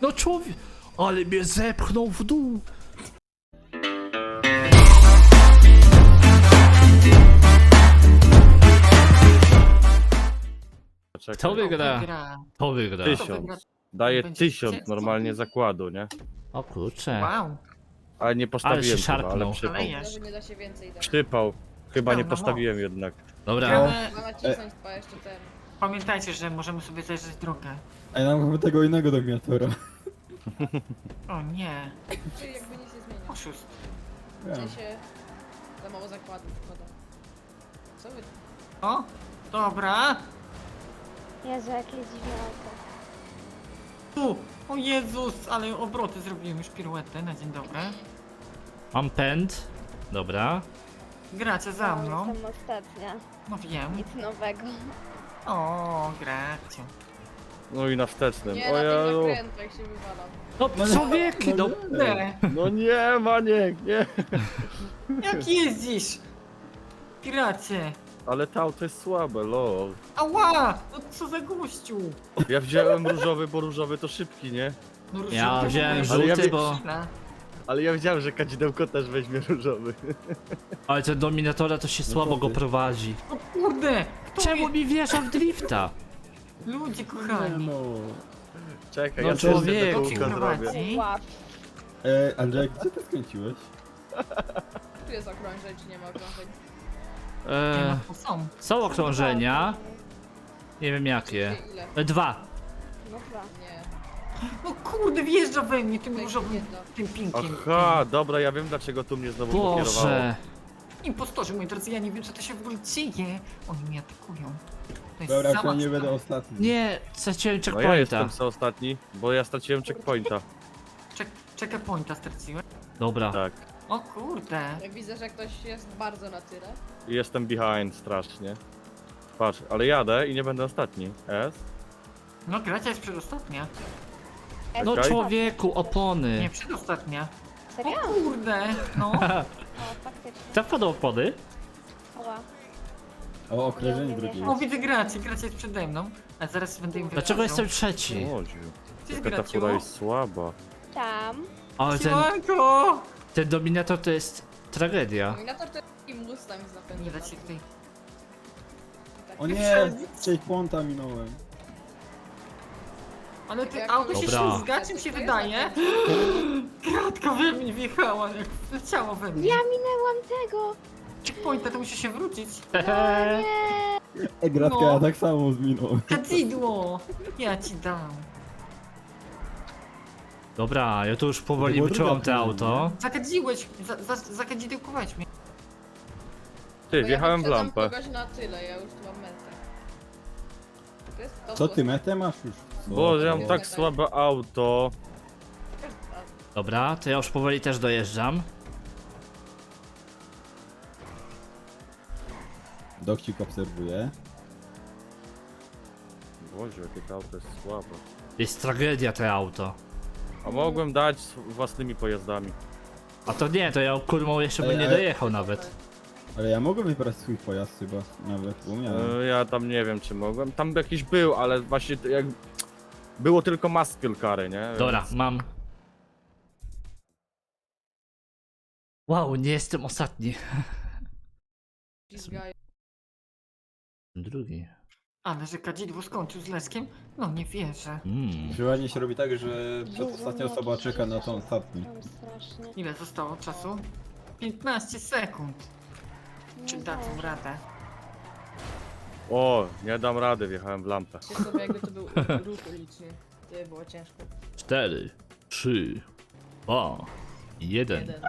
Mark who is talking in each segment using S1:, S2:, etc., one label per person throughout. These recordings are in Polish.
S1: No człowiek, ale mnie zepchnął w dół.
S2: Czekaj.
S1: To wygra.
S3: Wygra.
S1: To wygra.
S2: 1000. Daję
S3: Będzie
S2: 1000
S3: chcieć?
S2: normalnie zakładu, nie?
S1: O kurczę.
S3: Wow.
S2: Ale nie postawiłem
S1: Ale się
S2: chyba,
S1: szarpnął.
S2: ale przypał.
S3: Szalejesz.
S4: Że nie da się więcej dać.
S2: Przypał. Chyba nie
S3: No,
S2: postawiłem jednak.
S1: Dobra.
S3: Gramy.
S4: Mama cisnąć dwa jeszcze ten.
S3: Pamiętajcie, że możemy sobie zajrzeć drogę.
S5: Ej, nam chyba tego innego dominatora.
S3: O nie.
S4: Czyli jakby nic nie zmienia.
S3: Oszust.
S4: W sensie za mało zakładów wkładam. Co wy?
S3: O, dobra.
S6: Jezu, jakie dziwne auto.
S3: Tu. O Jezus, ale obroty zrobiłem już piruetę na dzień dobry.
S1: Mam pęd. Dobra.
S3: Gracie za
S6: No,
S3: mną.
S6: jestem ostatnia.
S3: No wiem.
S6: Nic nowego.
S3: O, gracie.
S2: No i na wstecznym.
S4: Nie, na tych
S2: Ojeju.
S4: zakrętach się wywalam.
S1: No człowieki, no.
S3: Nie.
S2: No nie, Maniek, nie.
S3: Jak jeździsz? Piracie.
S2: Ale to auto jest słabe, lol.
S3: Ała! No co za gościu?
S2: Ja wziąłem różowy, bo różowy to szybki, nie?
S3: No,
S1: Ja
S3: żółty
S1: wziąłem
S3: w ogóle.
S2: ja
S1: żółty,
S2: wiem-
S1: bo...
S2: Ale ja wiedziałem, że kadzidełko też weźmie różowy.
S1: Ale ten dominatora to się słabo go prowadzi.
S3: O kurde! Kto
S1: Czemu
S3: mnie...
S1: mi wjeżdża w drifta?
S3: Ludzie kochani.
S5: No.
S2: Czekaj,
S1: No
S2: ja też
S1: człowieku.
S2: tego kółka zrobię.
S3: Prowadzi.
S6: Wow.
S5: Andrzej, gdzie ty skręciłeś?
S4: Tu jest okrążeń, czy nie ma okrążeń?
S3: Nie
S1: Eee,
S3: ma, to są.
S1: są okrążenia. Nie wiem jakie.
S4: Ile?
S1: 2.
S6: No dwa.
S4: Nie.
S3: No kurde, wjeżdża we mnie tym
S4: Tak,
S3: różowym,
S4: jedno.
S3: tym pinkiem.
S2: Aha, dobra, ja wiem dlaczego tu mnie znowu pokierowało.
S1: Boże.
S3: Impostorzy, moi drodzy, ja nie wiem, co to się w ogóle dzieje. Oni mnie atakują. To jest
S5: Dobra,
S3: zamach
S5: ja nie będę
S3: stanu.
S5: ostatni.
S1: Nie, straciłem
S2: No ja
S1: checkpointa.
S2: jestem co ostatni, bo ja straciłem checkpointa.
S3: Checkpointa straciłem.
S1: Dobra.
S2: Tak.
S3: O kurde.
S4: Jak widzę, że ktoś jest bardzo na tyle.
S2: I jestem behind strasznie. Patrz, ale jadę i nie będę ostatni. S?
S3: No gracia jest przedostatnia.
S1: No
S2: Okej.
S1: człowieku, opony.
S3: Nie, przedostatnia. O
S6: Serio?
S3: kurde, no.
S6: O, faktycznie.
S1: Tak wpadł opony?
S6: Oła.
S5: O, okrążenie drugie.
S3: O, widzę gracie, gracia jest przede mną. A zaraz będę im
S1: Dlaczego
S3: wypraszał.
S1: jestem trzeci?
S2: Łodziu.
S3: Gdzie jest
S2: Jaka ta
S3: Graciu?
S2: fura jest słaba.
S6: Tam.
S1: Ale
S3: Siemanko!
S1: ten dominator to jest tragedia.
S4: Dominator to jest taki Mustang z napędem.
S3: Nie da się tutaj.
S5: O nie, checkpointa minąłem.
S3: Ale ty
S4: Jak
S3: auto się
S1: Dobra.
S3: ślizga, czym się wydaje? Kratka we mnie wjechała, jak leciała we mnie.
S6: Ja minęłam tego.
S3: Checkpointa, to musi się wrócić.
S5: Gratka,
S3: No.
S5: ja tak samo zminąłem.
S3: Kadzidło! Ja ci dam.
S1: Dobra, ja tu już
S5: To
S1: powoli
S5: było
S1: wyczułam
S5: druga
S1: to
S5: próba,
S1: auto.
S3: Zakadziłeś, zakadzidełkowałeś mnie.
S2: Ty, wjechałem w lampę.
S4: kogoś na tyle, ja już tu mam metę. To jest to,
S5: Co ty, metę masz już? Co?
S2: Boże, ja mam tak słabe auto.
S1: Dobra, to ja już powoli też dojeżdżam.
S5: Dokcik obserwuje.
S2: Boże, jakie to auto jest słabe.
S1: Jest tragedia to auto.
S2: A mogłem dać własnymi pojazdami.
S1: A to nie, to ja kurmą jeszcze bym
S5: Ej,
S1: nie
S5: ale-
S1: dojechał nawet.
S5: Ale ja mogę wybrać swój pojazd chyba, nawet, bo miałem.
S2: Ja tam nie wiem czy mogłem. Tam jakiś był, ale właśnie jak... Było tylko muscle cary, nie?
S1: Dobra,
S2: Więc-
S1: mam. Wow, nie jestem ostatni.
S4: Ślizgają.
S1: Drugi.
S3: Ale że kadzidło skończył z Leskiem? No nie wierzę.
S5: Przeważnie się robi tak, że przedostatnia
S6: Jezu,
S5: osoba
S6: nie,
S5: czeka na tą ostatni.
S6: Tam strasznie.
S3: Ile zostało czasu? 15 sekund. Czy
S6: Nie
S3: dadzą
S6: wiem.
S3: radę?
S2: O, nie dam rady, wjechałem w lampę.
S4: Myślę sobie, jakby to był ruch uliczny. To by było ciężko.
S1: 4, 3, 2, 1.
S4: Jeden.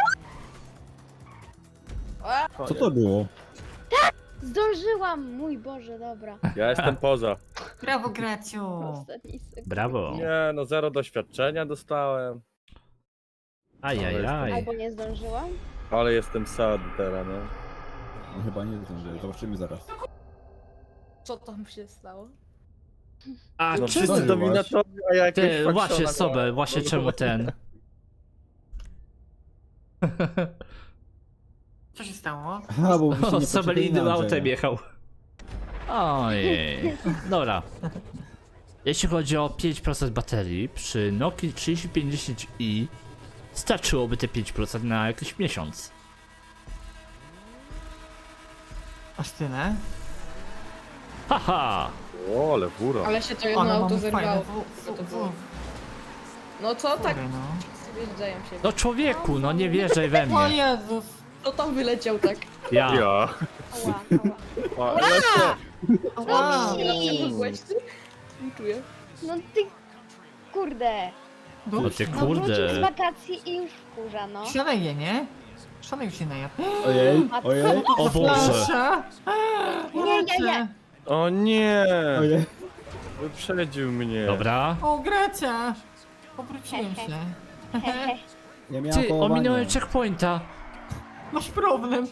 S5: Co to było?
S6: Zdążyłam! Mój Boże, dobra.
S2: Ja jestem poza.
S3: Brawo, Graciu!
S6: Ostatni sekund.
S1: Brawo.
S2: Nie, no zero doświadczenia dostałem.
S1: Ajajaj.
S6: Albo nie zdążyłam?
S2: Ale jestem sad teraz, no.
S5: No, chyba nie zdążyłem, zobaczymy zaraz.
S4: Co tam się stało?
S1: A
S2: No
S1: czemu?
S2: wszyscy
S5: zdążyłaś?
S2: dominatorzy, a ja jakoś
S1: Ty, właśnie
S2: fakszona
S1: sobie,
S2: miałem.
S1: właśnie czemu ten.
S3: Co się stało?
S5: Aha, bo byście
S1: O,
S5: nie
S1: sobie
S5: poczekali
S1: innym
S5: na
S1: autem
S5: Andrzeja.
S1: jechał. Ojej. Dobra. Jeśli chodzi o 5% baterii, przy Nokii 3050i starczyłoby te 5% na jakiś miesiąc.
S3: Aż tyle?
S1: Haha!
S2: O, ale fura.
S4: Ale się to jedno
S3: Ale
S4: auto
S3: mamy
S4: zerwało.
S3: fajne
S4: Co to było? No co tak
S3: fury, no.
S4: wjeżdżają się.
S1: No człowieku, no nie wjeżdżaj we
S3: O
S1: mnie.
S3: Jezus!
S4: Kto tam wyleciał tak?
S1: Ja.
S2: Ja.
S6: Ała, ała.
S2: A, jeszcze.
S3: Ała!
S6: Ej.
S4: Byłeś ty? Nie czuję.
S6: No ty... Kurde.
S1: No ty
S6: No wrócił z
S1: kurde.
S6: wakacji i już wkurza, no.
S3: Szaleje, nie? Szaleju się najadł.
S5: Ojej,
S6: A co
S5: ojej,
S6: to
S1: O
S6: za
S1: Boże.
S3: Plansza!
S6: Nie.
S2: O nie!
S5: ojej.
S2: Wyprzedził mnie.
S1: Dobra.
S3: O, Gracia! Obróciłem się.
S6: Hehe.
S5: Nie miałem
S1: Ty,
S5: kołowania.
S1: ominąłem checkpointa.
S3: Masz problem.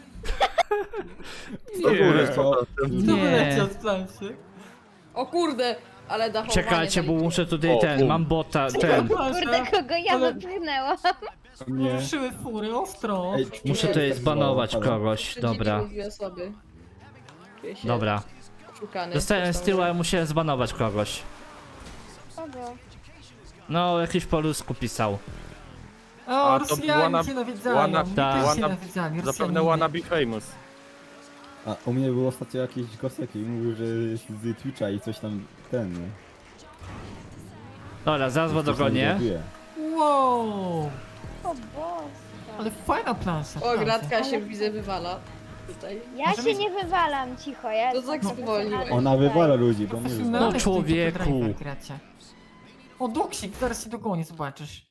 S2: Do góry
S1: Nie.
S2: z powrotem.
S3: Kto
S1: Nie.
S3: wyleciał z planszy?
S4: O kurde, ale dachowanie.
S1: Czekajcie, bo muszę tutaj
S2: O,
S1: ten,
S2: bum.
S1: mam bota, ten.
S6: Kurde, kogo ja
S3: Ale-
S6: wypchnęłam.
S5: Nie.
S3: Ruszyły fury, ostro.
S5: Ej,
S1: Muszę tutaj zbanować
S5: Dobra.
S1: kogoś, dobra.
S4: Dwie osoby. Czuję się
S1: Dobra.
S4: oszukany.
S1: Dostałem z tyłu, ale musiałem zbanować kogoś.
S6: Kogo?
S1: No, jakiś po rusku pisał.
S3: O,
S2: A, to
S3: Rosjanie
S2: wanna-
S3: cię nawiedzają.
S2: wanna-
S3: Mi
S1: tak.
S3: też się
S2: wanna-
S3: nawiedzali,
S2: Zapewne
S3: Rosjanie.
S2: wanna be famous.
S5: A u mnie był ostatnio jakiś gosek i mówił, że jest z Twitcha i coś tam ten.
S1: Dobra, zaraz go dogonię.
S3: Wow!
S6: O Boże.
S3: Ale fajna plansza.
S4: O, gratka
S6: Ale-
S4: się widzę wywala. Tutaj.
S6: Ja
S3: Możemy-
S6: się nie wywalam, cicho, ja
S4: To tak
S6: jestem
S4: spowolniłeś.
S6: profesjonalna
S5: Ona
S6: tutaj.
S5: wywala ludzi, bo nie wywala.
S3: Profesjonalny
S1: No, człowieku.
S3: driver gracie. O, Duksik, zaraz się dogonię, zobaczysz.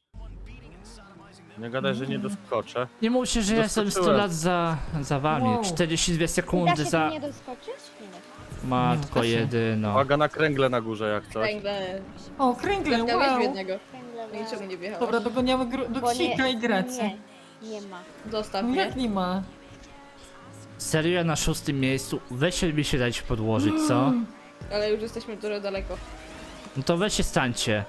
S2: Nie gadaj, że nie doskoczę.
S1: Nie mówcie, że ja jestem 100 lat za wami.
S3: Wow.
S1: 42
S6: Da
S1: sekundy
S6: się
S1: za...
S6: tu nie doskoczyć? Nie da się.
S1: Matko
S3: da się.
S1: jedyno.
S2: Uwaga na kręgle na górze jak coś.
S4: Kręgle.
S3: O, kręgle,
S4: Gratka weź
S3: wow!
S4: jednego.
S6: Kręgle,
S4: No i czemu nie wjechałeś?
S3: Dobra, dogoniamy Duksika i Gracie.
S6: Nie ma.
S4: Zostaw
S3: No
S4: mnie.
S3: jak nie ma?
S1: Serio ja na 6. miejscu? Weźcie mi się dać podłożyć, co?
S4: Ale już jesteśmy dużo daleko.
S1: No to weźcie stańcie.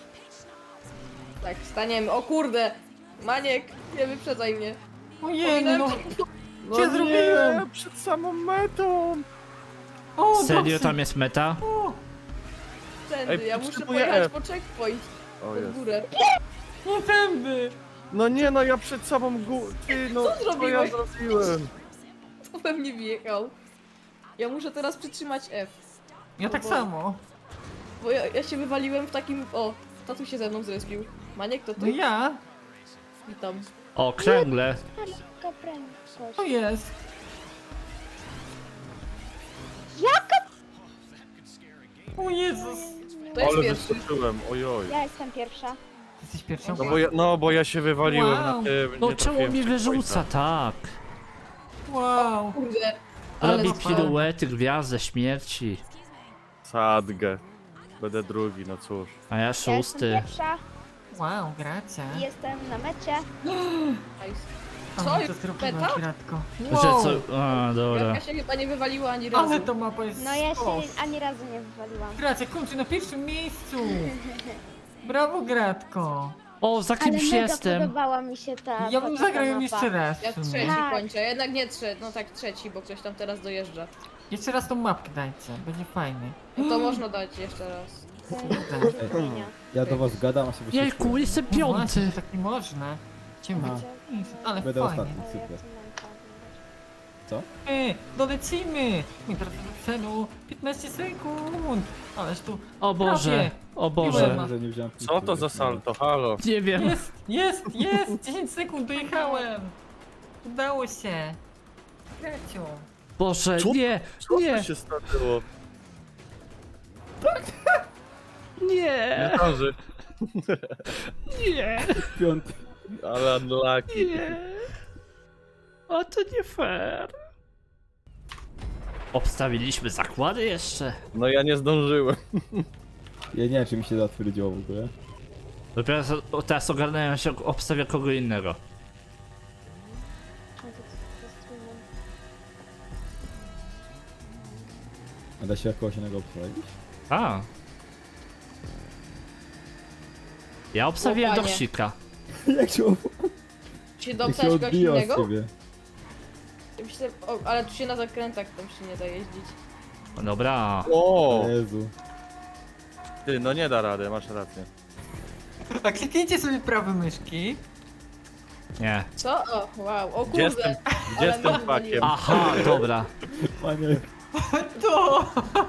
S4: Tak, staniemy. O kurde! Maniek, nie wyprzedzaj mnie.
S3: Ojej, no.
S2: No
S3: Co zrobiłem?
S2: nie, przed samą metą.
S3: O,
S1: Serio
S3: Duksik.
S1: tam jest meta?
S3: O,
S4: Tędy,
S2: Ej,
S4: ja muszę
S2: potrzebuję
S4: pojechać
S2: F.
S4: po checkpoint.
S2: O
S4: Pod
S2: jest.
S4: górę.
S3: nie tędy.
S2: No nie no, ja przed samą górę. Ty no,
S4: Co
S2: co ja
S4: zrobiłeś?
S2: zrobiłem?
S4: To we mnie wjechał. Ja muszę teraz przytrzymać F.
S3: Ja tak
S4: bo-
S3: samo.
S4: Bo ja się wywaliłem w takim... O, tatu się ze mną zrespił. Maniek, to
S3: No
S4: ty?
S3: ja?
S4: Witam.
S1: O, kręgle.
S6: Lekka prędkość.
S3: To jest. O Jezus.
S4: To jest
S2: Ale
S4: pierwszy.
S2: wyskoczyłem, ojoj.
S6: Ja jestem pierwsza.
S3: Jesteś pierwszą?
S2: No bo ja się wywaliłem
S3: Wow.
S2: na tym.
S1: No
S2: nie
S1: czemu
S2: trafiłem
S1: mnie
S2: w checkpointa.
S1: wyrzuca, tak?
S3: Wow.
S4: Kurde. Ale
S1: Robi
S3: super.
S1: piruety, gwiazdę śmierci.
S2: Sadgę. Będę drugi, no cóż.
S1: A ja
S6: Ja jestem
S1: 6.
S6: pierwsza
S3: Wow, gracie.
S6: i jestem na mecie.
S4: nice.
S3: O,
S4: Co?
S3: to zrobiła
S4: Beta?
S3: gratko.
S1: Że
S3: Wow.
S1: co? A, dobra.
S4: Gratka się chyba nie wywaliła ani razu.
S3: Ale to mapa jest
S6: No ja
S3: sztos.
S6: się ani razu nie wywaliłam.
S3: Gracie, kończy na pierwszym miejscu. Brawo, Gratko.
S1: O, za
S6: Ale
S1: kimś
S6: mega
S1: jestem.
S6: podobała mi się ta
S3: Ja bym
S6: ta
S3: zagrał ją
S6: mapa.
S3: jeszcze raz.
S4: Ja
S3: w sumie.
S4: trzeci
S6: Tak.
S4: kończę, jednak nie trzeci, no tak trzeci, bo ktoś tam teraz dojeżdża.
S3: Jeszcze raz tą mapkę dajcie, będzie fajny.
S4: No to można dać jeszcze raz.
S5: Ja do was gadam, a sobie
S1: Jejku, jestem
S3: No właśnie,
S1: piąty.
S3: że tak nie można. Ciemno.
S5: Aha.
S3: Ale
S5: Będę
S3: fajnie.
S5: ostatni, super.
S3: Dolecimy! I teraz do celu 15 sekund. Ależ tu
S1: O Boże, o Boże.
S3: Piłem.
S5: Że nie wziąłem
S2: Co to za salto? Halo.
S1: Nie wiem.
S3: jest! 10 sekund dojechałem! Udało się! Kreciu!
S1: Boże,
S2: Co?
S1: nie,
S2: Co
S1: nie,
S2: tu się stało?
S1: nie,
S2: Nie zdąży.
S1: nie,
S5: Piąty.
S2: Ale unlucky.
S1: nie. O, to nie fair. Obstawiliśmy zakłady jeszcze.
S2: No ja nie zdążyłem.
S5: Ja nie wiem, czy mi się zatwierdziło w ogóle.
S1: Dopiero teraz ogarnąłem się, obstawia kogo innego.
S5: A da się jakoś innego obstawić?
S1: A. Ja obstawiłem
S4: O, panie.
S1: Doksika.
S5: Jak się,
S4: Czy się
S5: jak się
S4: dopsać kogoś
S5: odbija od
S4: innego?
S5: ciebie?
S4: Ja myślę, o, ale tu się na zakrętach tam się nie da jeździć.
S1: Dobra.
S2: O!
S5: Jezu.
S2: Ty, no nie da rady, masz rację.
S3: A kliknijcie sobie prawy myszki.
S1: Nie.
S4: Co? O, wow, o
S2: Gdzie z
S4: kurde.
S2: tym, gdzie z
S4: Ale
S2: tym
S4: mnie
S2: pakiem?
S1: Aha, dobra.
S5: Maniek,
S3: To!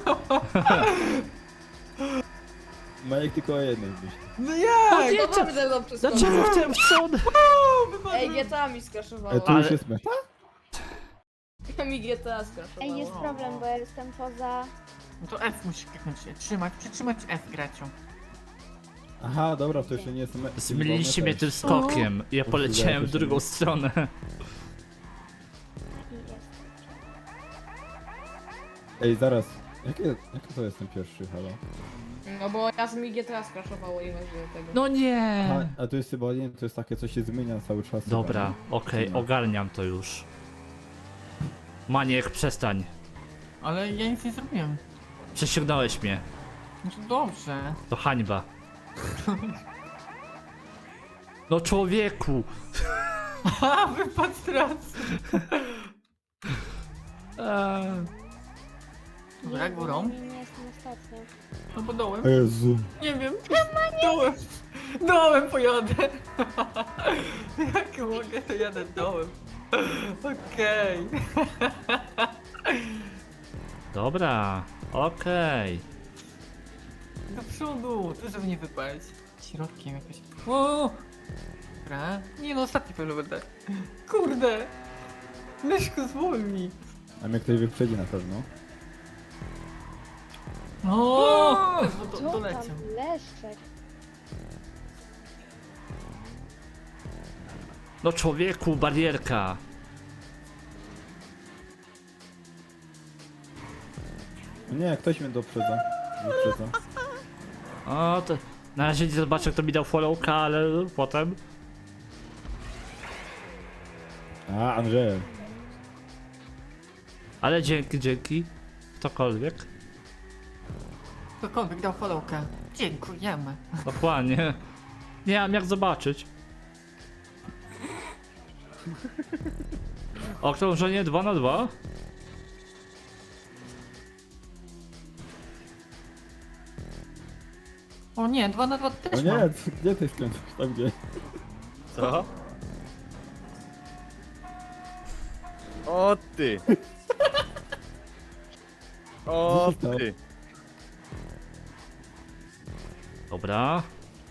S5: Maniek tylko o jednej myśli.
S3: No jak?
S4: To mamy ze mną przeskoczyć.
S1: Dlaczego w ten wstąd?
S4: Ej, GTA mi skraszowało.
S5: Tu
S1: Ale-
S5: już jest meta?
S4: Mi GTA skraszowało.
S6: Ej, jest problem, bo ja jestem poza...
S3: No to F musisz kliknąć. Przytrzymać F gracią.
S5: Aha, dobra, to jeszcze nie jest meta.
S1: Zmyliliście mnie tym skokiem. Ja poleciałem w drugą stronę.
S5: Ej, zaraz. Jaki to jest ten pierwszy, halo?
S4: No bo ja mi GTA skraszowało i właśnie tego.
S1: No nie.
S5: A to jest chyba, nie, to jest takie, co się zmienia cały czas.
S1: Dobra,
S5: chyba,
S1: okej, ogarniam to już. Maniek, przestań.
S3: Ale ja nic nie zrobiłem.
S1: Przesiągnąłeś mnie.
S3: No to dobrze.
S1: To hańba. No człowieku!
S3: A, wypadł teraz. Dobra, górą.
S6: Nie jestem ostatnia.
S3: No bo dołem.
S5: nie? Jezu.
S3: Nie wiem. Dołem. Dołem pojadę. Jak mogę, to jadę dołem. Okej.
S1: Dobra, okej.
S3: Do przodu, to żeby nie wypaść. Środkiem jakoś. O! Dobra. Nie no, ostatni pewno będę. Kurde. Myszku zwolni.
S5: A mnie ktoś wyprzedzi na pewno.
S3: O!
S6: Co
S3: Doleciał.
S6: tam? Leszczek.
S1: No człowieku, barierka.
S5: No nie, ktoś mnie doprzedza. Wyprzedza.
S1: O, to... Na razie nie zobaczę, kto mi dał followka, ale potem...
S5: A, Andrzej.
S1: Ale dzięki. Ktokolwiek.
S3: Ktokolwiek dał followka. Dziękujemy.
S1: Dokładnie. Nie mam jak zobaczyć. Okrążenie 2 na 2.
S3: O nie, 2 na 2
S5: O
S3: też
S5: nie,
S3: mam.
S5: gdzie ty skręcasz? Tam gdzie?
S2: Co? O ty! O
S5: Co się
S2: ty!
S1: Dobra.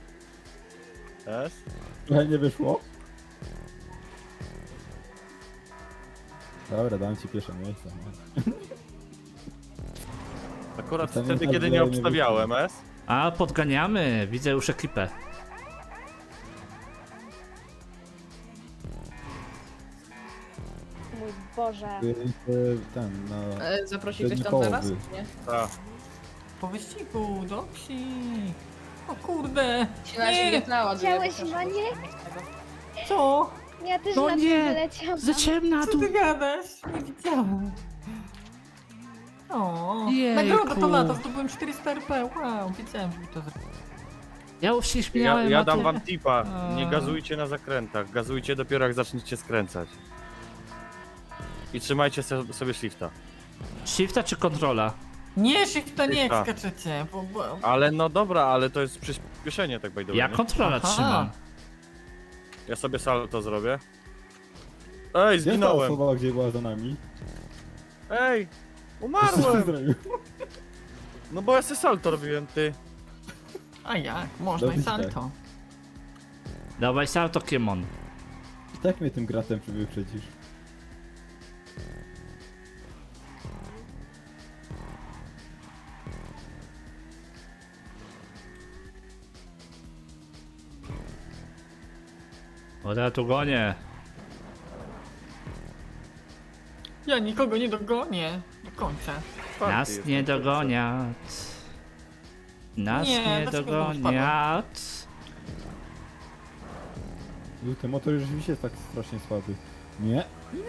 S2: Jest?
S5: Trochę nie wyszło? Dobra, dam ci pierwsze miejsce.
S2: Akurat
S5: Ten
S2: wtedy,
S5: tak
S2: kiedy nie
S5: dalej nie
S2: obstawiałem, S.
S1: A, podganiamy. Widzę już ekipę.
S6: Mój Boże.
S5: Ten, na...
S4: Zaprosi ktoś tam
S5: Połowy.
S4: teraz? Nie?
S2: Tak.
S3: Po wyścigu, dobrze. O kurde.
S4: Się na się
S3: Nie.
S4: nie tlała,
S6: Chciałeś, Maniek?
S3: Co?
S6: Ja też
S1: No
S6: na
S1: nie.
S6: tym wyleciałam.
S1: Zleciałem na
S3: Co
S1: dół.
S3: ty gadasz? Nie widziałem. O,
S1: Jejku.
S3: nagroda to lata, zdobyłem 400 RP, wow, wiedziałem, że mi to zrobił.
S1: Ja już się śmiałem.
S2: Ja
S1: a
S2: dam
S1: ty-
S2: wam tipa. Nie
S1: A.
S2: gazujcie na zakrętach. Gazujcie dopiero jak zaczniecie skręcać. I trzymajcie sobie shifta.
S1: Shifta czy kontrola?
S3: Nie, shifta nie jak
S2: Shifta.
S3: skaczecie, bo...
S2: Ale no dobra, ale to jest przyspieszenie tak by the way,
S1: Ja
S2: nie?
S1: kontrola
S3: Aha.
S1: trzymam.
S2: Ja sobie salto zrobię. Ej,
S5: Gdzie ta
S2: zginąłem!
S5: osoba, gdzie była za nami?
S2: Ej!
S5: Co ty
S2: Umarłem!
S5: zrobił?
S2: No bo ja sobie salto robiłem, ty.
S3: A jak? Można i
S5: Dobrze.
S3: salto.
S1: Dawaj salto, Kiemon.
S5: Tak mnie tym gratem wyprzedzisz.
S1: O, ja tu gonię.
S3: Ja nikogo nie dogonię do końca.
S1: Nas
S2: Czwarty
S1: nie
S2: jestem,
S1: dogoniat. Nas
S3: Nie,
S1: nie
S3: dlaczego
S1: dogoniat.
S5: Ten motor rzeczywiście jest tak strasznie słaby. Nie?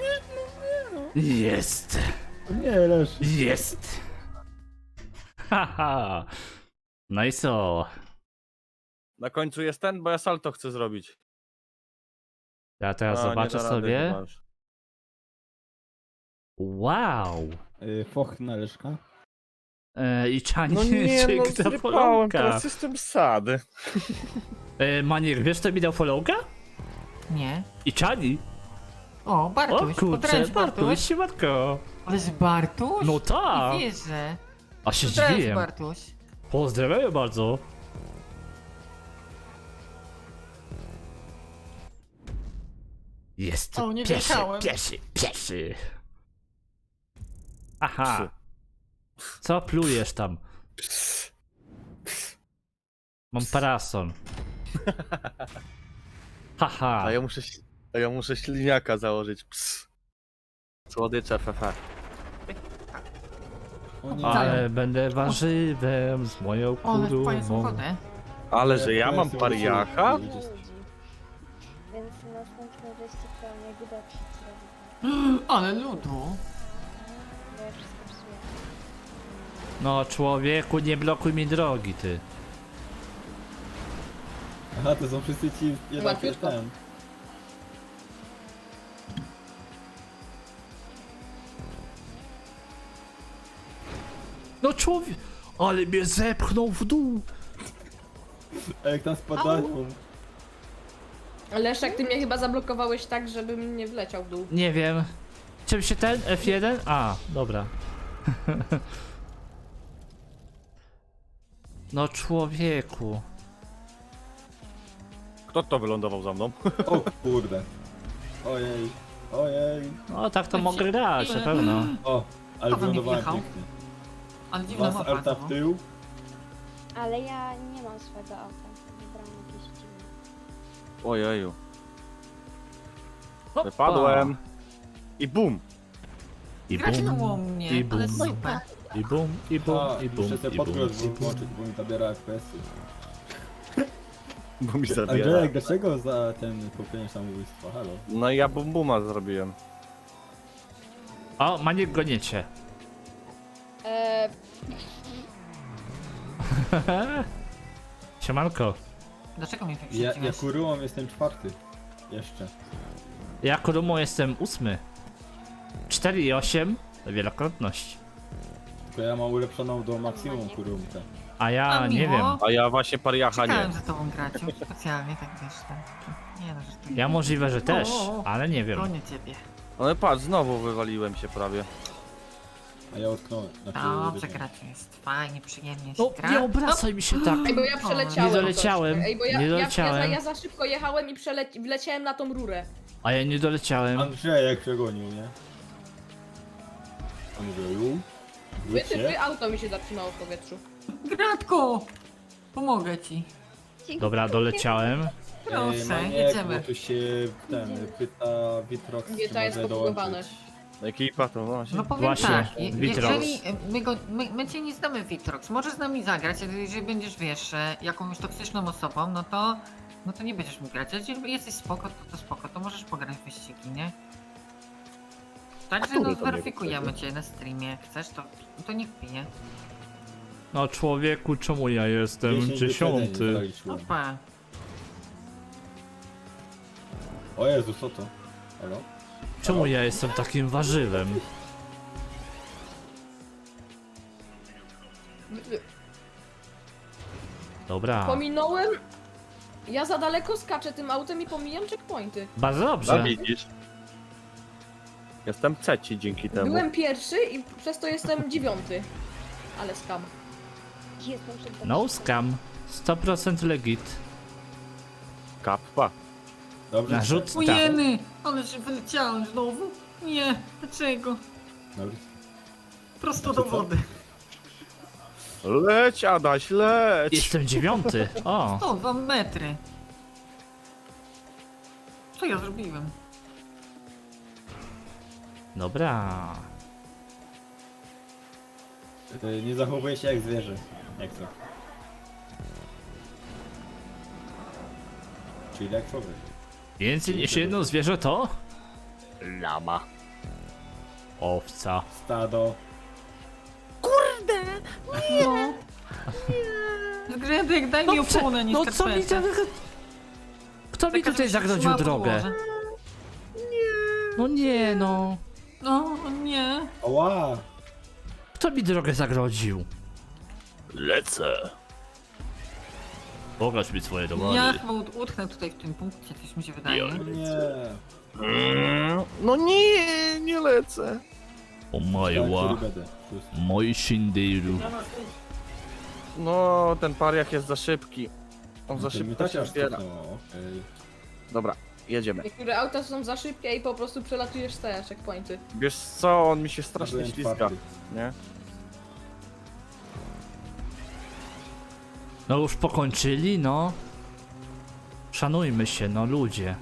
S1: Jest.
S5: Nie, Lesz.
S1: Jest. Haha. No i co?
S2: Na końcu jest ten, bo ja salto chcę zrobić.
S1: Ja teraz
S2: A, nie
S1: zobaczę
S2: da rady
S1: sobie.
S2: chyba już.
S1: Wow.
S5: Foch na Leszka.
S1: I Czani
S2: No nie,
S1: czy
S2: no
S1: kto
S2: zrypałem,
S1: followka.
S2: teraz jestem sad.
S1: Maniek, wiesz kto mi dał followka?
S3: Nie.
S1: I Czani.
S3: O,
S1: O
S3: Bartuś,
S1: kurczę,
S3: potręcz
S1: Bartuś,
S3: Bartuś.
S1: siemanko.
S3: Ależ Bartuś?
S1: No tak.
S3: Nie wierzę.
S1: A się
S3: Potręcz
S1: zdziwiłem.
S3: Bartuś.
S1: Pozdrawiam bardzo. Jest
S3: O, nie
S1: pieszy,
S3: wjechałem.
S1: pieszy. Aha.
S2: Psy.
S1: Co plujesz tam? Mam parasol. Haha.
S2: A ja muszę śliniaka założyć. Ps. Słodycze, fefe.
S5: O nie.
S1: Ale będę warzywem z moją
S3: O, ale fajne
S1: kurumą.
S3: samochody.
S2: Ale że ja mam pariacha?
S6: Ludzi. Więc następny wyścig to mnie dotrzeć zrobić.
S3: Ale ludu.
S6: Bo ja wszystko psuję.
S1: No człowieku, nie blokuj mi drogi, ty.
S5: Aha, to są wszyscy ci jednak
S4: Łatwiutko.
S5: ten.
S1: No człowiek, ale mnie zepchnął w dół.
S5: A jak tam spadają.
S4: Leszek, ty mnie chyba zablokowałeś tak, żebym nie wleciał w dół.
S1: Nie wiem. Czym się ten F1? A, dobra. No człowieku.
S2: Kto to wylądował za mną?
S5: O kurde. Ojej. Ojej.
S1: No tak to
S3: F-
S1: mogę grać, na
S3: ile?
S1: pewno.
S5: O, ale
S3: Kto we mnie
S5: wylądowałem
S3: wjechał?
S5: pięknie.
S3: Ale dziwna
S5: Dwa
S3: mapa
S5: salta
S3: znowu.
S5: w tył.
S6: Ale ja nie mam swojego auta. Wybrałam jakieś dziwne.
S2: Ojeju.
S1: Hoppa.
S2: Wypadłem. I bum.
S1: I
S3: Graciło
S1: bum,
S3: mnie,
S1: i
S3: ale
S1: bum,
S3: super.
S1: i bum, i bum,
S5: A,
S1: i bum,
S5: muszę sobie
S1: i bum,
S5: podgląd
S1: i bum.
S5: włączyć, bo mi zabiera FPS-y.
S2: Bo mi zabiera.
S5: Andrzejek, dlaczego za ten popełnienie samobójstwa? Halo?
S2: No i ja bum buma zrobiłem.
S1: O, Maniek goniecie.
S4: Eee,
S1: Siemanko.
S3: Dlaczego mnie
S5: Ja
S3: wyprzedziłeś?
S5: kurułą jestem czwarty. Jeszcze.
S1: Ja Kurumą jestem 8. 4,8 wielokrotność.
S5: Tylko ja mam ulepszoną do maksimum kurumkę.
S1: A ja
S3: A
S1: nie
S3: miło.
S1: wiem.
S2: A ja właśnie pariacha nie.
S3: Czekałem za tobą grać, specjalnie tak wiesz, tak. Nie no, że ty...
S1: Ja możliwe, że też,
S3: O,
S1: ale nie wiem.
S3: Gonię ciebie.
S2: Ale patrz, znowu wywaliłem się prawie.
S5: A ja utknąłem.
S3: Dobrze, grać jest fajnie, przyjemnie się
S1: No,
S3: gra.
S1: nie obracaj mi się tak.
S4: ej, bo ja przeleciałem.
S1: Nie doleciałem,
S4: troszkę. Ej, bo ja,
S1: nie
S4: ja,
S1: doleciałem.
S4: ja za szybko jechałem i wleciałem na tą rurę.
S1: A ja nie doleciałem.
S5: Andrzejek przegonił, nie? Andrzeju? Wróć się.
S4: Auto mi się zatrzymało w powietrzu.
S3: Gratko! Pomogę ci.
S1: Dobra, doleciałem.
S3: Proszę,
S5: Maniek,
S3: jedziemy.
S5: Bo tu się ten pyta Witrox, czy
S4: GTA jest
S5: może
S4: podbugowane.
S5: dołączyć.
S2: Ekipa to właśnie.
S3: No powiem
S1: Właśnie,
S3: tak,
S1: Witrox.
S3: jeżeli my cię nie znamy Witrox, możesz z nami zagrać, ale jeżeli będziesz, wiesz, jakąś toksyczną osobą, no to nie będziesz mógł grać. Jeżeli jesteś spoko, to możesz pograć w wyścigi, nie? Także
S2: Który
S3: no
S2: to mnie
S3: zweryfikujemy cię na streamie, jak chcesz, to niech pije.
S1: No człowieku, czemu ja jestem
S5: 10 wyprzedzeń
S1: 10?
S5: zaliczyłem.
S3: Opa.
S5: O Jezu, co to? Halo?
S1: Czemu ja jestem takim warzywem? Dobra,
S4: Pominąłem. Ja za daleko skaczę tym autem i pomijam checkpointy.
S1: bardzo
S2: No
S1: dobrze.
S2: widzisz. Jestem trzeci dzięki temu.
S4: Byłem pierwszy i przez to jestem 9. Ale skam.
S6: Jestem przed
S1: No scam, 100% legit.
S2: Kappa.
S5: Dobrze.
S1: Narzut-
S3: Ujeny! Ale się wyleciałem znowu. Nie, dlaczego?
S5: Dobry.
S3: Prosto
S5: Znaczy
S3: do
S5: co?
S3: wody.
S2: Leć Adaś, leć!
S1: Jestem 9. O,
S3: 102 metry. Co ja zrobiłem?
S1: dobra.
S5: Nie zachowuję się jak zwierzę. Jak to? Czyli jak człowiek.
S1: Więcej niż jedno zwierzę to?
S2: Lama.
S1: Owca.
S5: Stado.
S3: No. Zgrzedek, daj mi oponę, nie
S1: no co mi
S3: skarpetę.
S1: Kto mi
S3: Taka,
S1: tutaj
S3: żeby się
S1: zagrodził
S3: trzymała
S1: drogę?
S3: podłoże.
S1: No nie no.
S3: No, nie.
S5: Ała!
S1: Kto mi drogę zagrodził? Lecę. Pokaż mi swoje dowody.
S3: Ja chyba utknę tutaj w tym punkcie, coś mi się wydaje.
S5: Nie.
S2: No nie, nie lecę.
S1: O majła. Moi shindiru.
S2: No, ten pariach jest za szybki. On za szybko się zbiera. Dobra, jedziemy.
S4: Niektóre auta są za szybkie i po prostu przelatujesz te checkpointy.
S2: Wiesz co, on mi się strasznie ślizga, nie?
S1: No już pokończyli, no. Szanujmy się, no ludzie.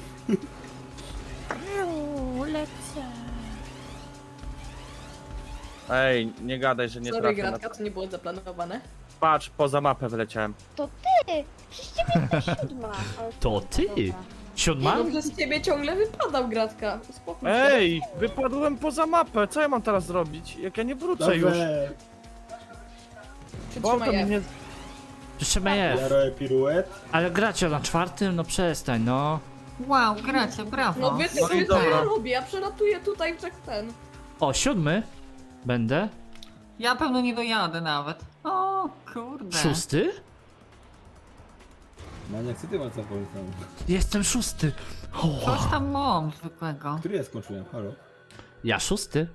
S2: Ej, nie gadaj, że nie
S4: Sorry,
S2: trafię na
S4: Gratka,
S2: to.
S4: to nie było zaplanowane.
S2: Patrz, poza mapę wyleciałem.
S6: To ty! Przecież ciebie jest ta 7. Ale
S1: To ty?
S6: dobra.
S1: Siódma?
S4: Mam, że z ciebie ciągle wypadał, Gratka. Uspokój się.
S2: Ej, wypadłem poza mapę, co ja mam teraz zrobić? Jak ja nie wrócę już. Bo auto
S4: Przytrzymaj
S2: mi
S4: je.
S2: nie...
S1: Przytrzymaj
S5: Ja
S1: F.
S5: robię piruet.
S1: Ale gracie na czwartym? No przestań, no.
S3: Wow, gracie, brawo.
S4: No wy
S2: No i
S4: ty, co
S2: dobra.
S4: ja robię? Ja przelatuję tutaj w ten.
S1: O, siódmy? Będę.
S3: Ja pewno nie dojadę nawet. O, kurde.
S1: Szósty?
S5: Maniak, co ty masz za polecam?
S1: Jestem szósty. O,
S3: Coś tam mam zwykłego.
S5: Który ja skończyłem? Halo?
S1: ja szósty?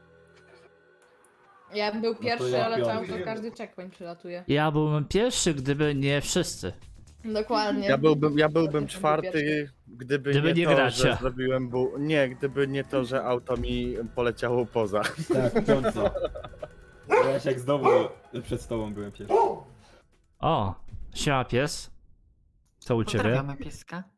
S4: Ja bym był pierwszy,
S5: ja
S4: ale
S5: piąty.
S4: tam to każdy checkpoint przelatuje.
S1: Ja byłbym pierwszy, gdyby nie wszyscy.
S4: Dokładnie.
S2: Ja byłbym
S4: Potem
S2: czwarty,
S4: pierwszy.
S2: gdyby nie to,
S1: gracie.
S2: że zrobiłem Nie, gdyby nie to, że auto mi poleciało poza.
S5: Tak, piąty. Ja jak znowu przed tobą byłem pierwszy.
S1: O, siema pies. Co u ciebie?
S3: Pozdrawiamy pieska.